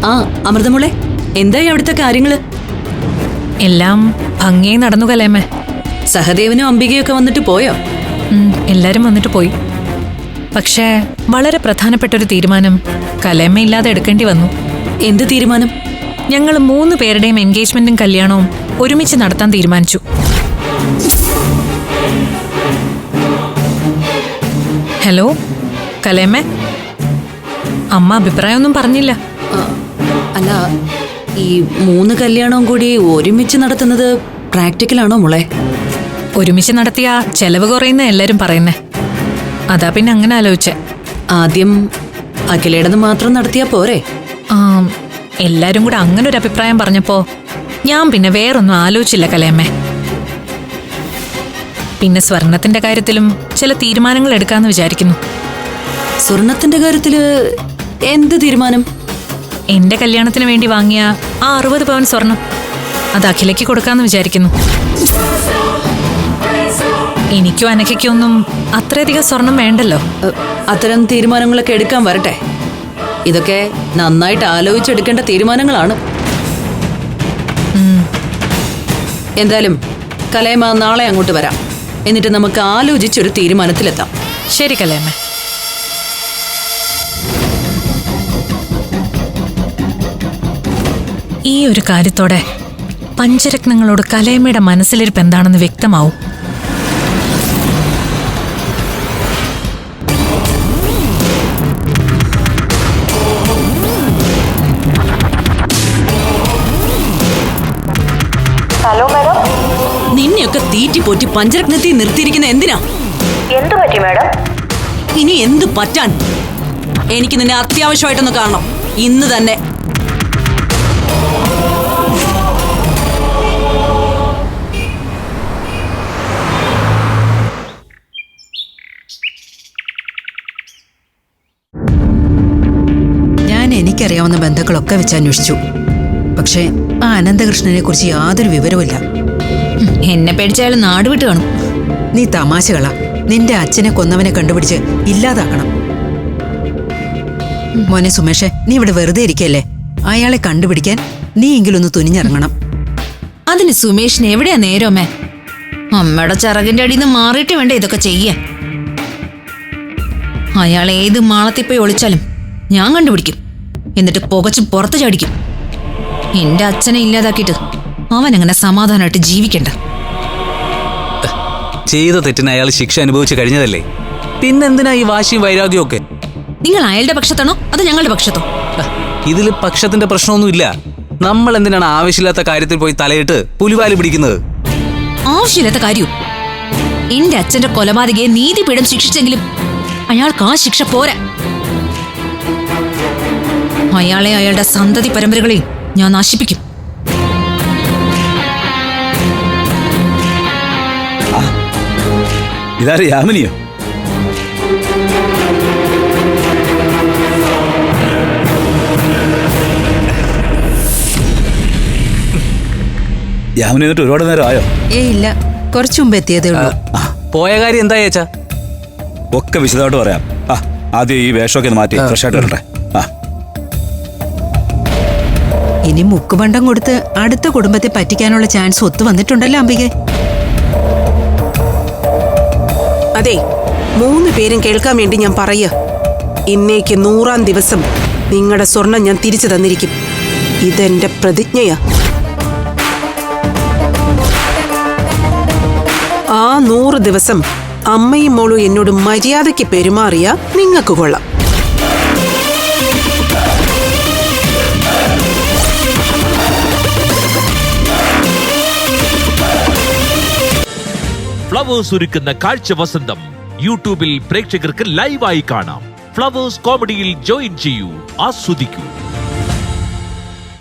ആ അമൃതമോളെ, എന്തായി അവിടുത്തെ കാര്യങ്ങള്? എല്ലാം ഭംഗിയായി നടന്നു കലേമേ. സഹദേവനും അംബികയൊക്കെ വന്നിട്ട് പോയോ? എല്ലാരും വന്നിട്ട് പോയി. പക്ഷേ വളരെ പ്രധാനപ്പെട്ട ഒരു തീരുമാനം കലേമ ഇല്ലാതെ എടുക്കേണ്ടി വന്നു. എന്ത് തീരുമാനം? ഞങ്ങൾ 3 പേരുടെയും എൻഗേജ്മെന്റും കല്യാണവും ഒരുമിച്ച് നടത്താൻ തീരുമാനിച്ചു. ഹലോ കലേമേ, അമ്മ അഭിപ്രായമൊന്നും പറഞ്ഞില്ല. അല്ല, ഈ 3 കല്യാണവും കൂടി ഒരുമിച്ച് നടത്തുന്നത് പ്രാക്ടിക്കലാണോ മോളെ? ഒരുമിച്ച് നടത്തിയ ചെലവ് കുറയുന്ന എല്ലാരും പറയുന്നേ. അതാ പിന്നെ അങ്ങനെ ആലോചിച്ചേ. ആദ്യം അഖിലേടത് മാത്രം നടത്തിയാ പോരെ? എല്ലാരും കൂടെ അങ്ങനെ ഒരു അഭിപ്രായം പറഞ്ഞപ്പോ ഞാൻ പിന്നെ വേറൊന്നും ആലോചിച്ചില്ല കലേമ്മേ. പിന്നെ സ്വർണത്തിന്റെ കാര്യത്തിലും ചില തീരുമാനങ്ങൾ എടുക്കാന്ന് വിചാരിക്കുന്നു. സ്വർണത്തിന്റെ കാര്യത്തില് എന്ത് തീരുമാനം? എന്റെ കല്യാണത്തിന് വേണ്ടി വാങ്ങിയ ആ 60 പവൻ സ്വർണം അത് അഖിലയ്ക്ക് കൊടുക്കാന്ന് വിചാരിക്കുന്നു. എനിക്കും അനഘയ്ക്കൊന്നും അത്രയധികം സ്വർണം വേണ്ടല്ലോ. അത്തരം തീരുമാനങ്ങളൊക്കെ എടുക്കാൻ വരട്ടെ. ഇതൊക്കെ നന്നായിട്ട് ആലോചിച്ചെടുക്കേണ്ട തീരുമാനങ്ങളാണ്. എന്തായാലും കലേമ നാളെ അങ്ങോട്ട് വരാം. എന്നിട്ട് നമുക്ക് ആലോചിച്ചൊരു തീരുമാനത്തിലെത്താം. ശരി കലേമ. ഈ ഒരു കാര്യത്തോടെ പഞ്ചരത്നങ്ങളോട് കലേമയുടെ മനസ്സിലിരിപ്പ് എന്താണെന്ന് വ്യക്തമാവും. നിന്നെയൊക്കെ തീറ്റിപ്പോറ്റി പഞ്ചരത്നത്തിൽ നിർത്തിയിരിക്കുന്ന എന്തിനാ? എന്തു പറ്റി മാഡം? ഇനി എന്ത് പറ്റാൻ? എനിക്ക് നിന്നെ അത്യാവശ്യമായിട്ടൊന്ന് കാണണം, ഇന്ന് തന്നെ. ഞാൻ എനിക്കറിയാവുന്ന ബന്ധുക്കളൊക്കെ വെച്ച് അന്വേഷിച്ചു. പക്ഷേ ആ അനന്തകൃഷ്ണനെ കുറിച്ച് യാതൊരു വിവരവുമില്ല. എന്നെ പേടിച്ചാലും നാട് വിട്ട് കാണും. നീ തമാശകളാ. നിന്റെ അച്ഛനെ കൊന്നവനെ കണ്ടുപിടിച്ച് ഇല്ലാതാക്കണം. മോനെ സുമേഷേ, നീ ഇവിടെ വെറുതെ ഇരിക്കല്ലേ. അയാളെ കണ്ടുപിടിക്കാൻ നീ എങ്കിലൊന്ന് തുനിഞ്ഞിറങ്ങണം. അതിന് സുമേഷിന് എവിടെയാ നേരമേ? അമ്മയുടെ ചിറകിന്റെ അടിയിൽ നിന്ന് മാറിയിട്ട് വേണ്ട ഇതൊക്കെ ചെയ്യാൻ. അയാൾ ഏത് മാളത്തിൽ പോയി ഒളിച്ചാലും ഞാൻ കണ്ടുപിടിക്കും. എന്നിട്ട് പുകച്ച് പുറത്ത് ചാടിക്കും. എന്റെ അച്ഛനെ ഇല്ലാതാക്കിയിട്ട് അവൻ അങ്ങനെ സമാധാനമായിട്ട് ജീവിക്കണ്ട. ചെയ്ത തെറ്റിന് അയാൾ ശിക്ഷ അനുഭവിച്ച് കഴിഞ്ഞതല്ലേ, പിന്നെന്തിനാ ഈ വാശിയും വൈരാഗ്യവും ഒക്കെ? നിങ്ങൾ അയാളുടെ പക്ഷത്താണോ അതോ ഞങ്ങളുടെ പക്ഷത്തോ? ഇതിൽ പക്ഷത്തിന്റെ പ്രശ്നമൊന്നുമില്ല. നമ്മൾ എന്തിനാണ് ആവശ്യമില്ലാത്ത കാര്യത്തിൽ പോയി തലയിട്ട് പുലിവാലി പിടിക്കുന്നത്? ആവശ്യമില്ലാത്ത കാര്യവും. എന്റെ അച്ഛന്റെ കൊലപാതകയെ നീതിപീഠം ശിക്ഷിച്ചെങ്കിലും അയാൾക്ക് ആ ശിക്ഷ പോരാ. അയാളെ അയാളുടെ സന്തതി പരമ്പരകളെയും ഞാൻ നശിപ്പിക്കും. ഇതാര്, യാമിനിയോ? യാമിനി എന്നിട്ട് ഒരുപാട് നേരം ആയോ? ഇല്ല, കുറച്ചു മുമ്പ് എത്തിയതേ ഉള്ളൂ. പോയ കാര്യം എന്താ ചേച്ചാ? ഒക്കെ വിശദമായിട്ട് പറയാം. ആദ്യം ഈ വേഷമൊക്കെ ഒന്ന് മാറ്റി ഫ്രഷ് ആയിട്ട് വരട്ടെ. ഇനി മുക്കുപണ്ടം കൊടുത്ത് അടുത്ത കുടുംബത്തെ പറ്റിക്കാനുള്ള ചാൻസ് ഒത്തു വന്നിട്ടുണ്ടല്ലോ അംബികെ. അതെ, 3 പേരും കേൾക്കാൻ വേണ്ടി ഞാൻ പറയാ. ഇന്നേക്ക് 100-ാം ദിവസം നിങ്ങളുടെ സ്വർണം ഞാൻ തിരിച്ചു തന്നിരിക്കും. ഇതെന്റെ പ്രതിജ്ഞയാ. ആ 100 ദിവസം അമ്മയും മോളും എന്നോട് മര്യാദയ്ക്ക് പെരുമാറിയ നിങ്ങൾക്ക് കൊള്ളാം. ഫ്ലവേഴ്സ് ഒരുക്കുന്ന കാഴ്ച വസന്തം യൂട്യൂബിൽ പ്രേക്ഷകർക്ക് ലൈവായി കാണാം. ഫ്ലവേഴ്സ് കോമഡിയിൽ ജോയിൻ ചെയ്യൂ, ആസ്വദിക്കൂ.